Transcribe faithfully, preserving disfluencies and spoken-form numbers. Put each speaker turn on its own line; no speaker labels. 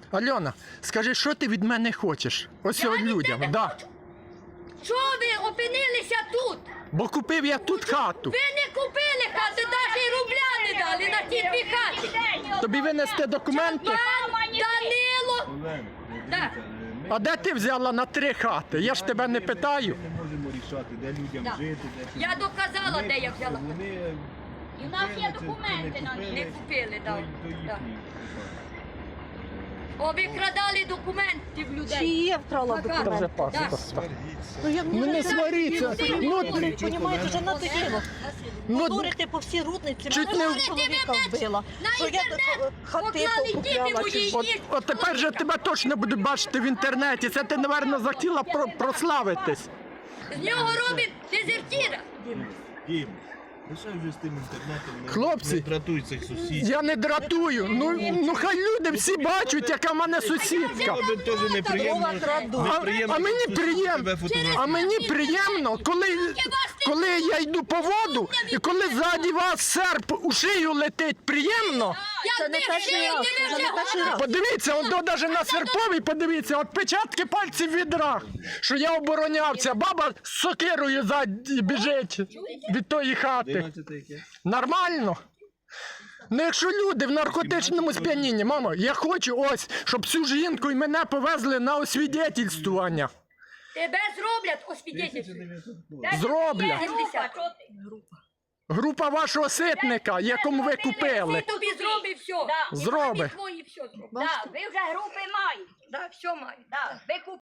Альона, скажи, що ти від мене хочеш? Ось
Я
от
від
людям,
тебе
да.
хочу. Що ви опинилися тут?
Бо купив я тут хату.
Ви не купили хату, навіть і рубля не дали на ті дві хати.
Тобі винести документи?
Пан Данило.
Олена,
Так.
дивіться, ми
А де ти взяла на три хати? Я ж тебе не питаю.
не можемо рішати, де людям
Так.
жити, де
Я доказала,
Ми-
де я взяла.
Вони
І в нас є
купили це,
документи
це
на
купили,
них. Не купили,
то-
так.
то їхні
Так.
питання.
О, ви крадали документів
Чи
людей.
є вкрала
Така.
Це вже
документи?
паспорт.
Ну, я
Ну не сваріться. Ну,
Понімаєте, вже надоїло.
ну,
Дурите по всій рудниці,
Чуть
мене
не-
чоловіка вбила.
На
Що я
інтернет
е, хати
поклали діти
покупляла.
мої.
чи-
от, от тепер же тебе точно будуть бачити в інтернеті. Це ти, напевно, захотіла про- прославитись.
З нього робить дезертіра.
Дім, лише вже з тим інтернетом. не-
Хлопці,
не дратуй цих сусідів.
Я не дратую. Ну, ну хай люди всі бачать, яка в мене сусідка.
Тобі теж неприємно,
крадуть.
неприємно,
А- а мені
що сусід
приємно.
тебе фотографує.
А мені приємно, коли, коли я йду по воду, і коли ззаді вас серп у шию летить, приємно.
Це не перший раз, це вже не перший раз.
Подивіться, он до навіть на серповій, подивіться, отпечатки пальців від рах, що я оборонявся. Баба з сокирою ззаді біжить від тої хати.
одинадцяте яке?
Нормально? Ну якщо люди в наркотичному сп'янінні, мамо, я хочу ось, щоб цю жінку і мене повезли на освідетельствування.
Тебе зроблять освідетельство.
Зроблять. Група вашого ситника, якому ви купили.
Тобі зробить все.
Зроби.
Твої все зроблять.
Да, ви вже групи маєте.
Да, все маю.
Да, ви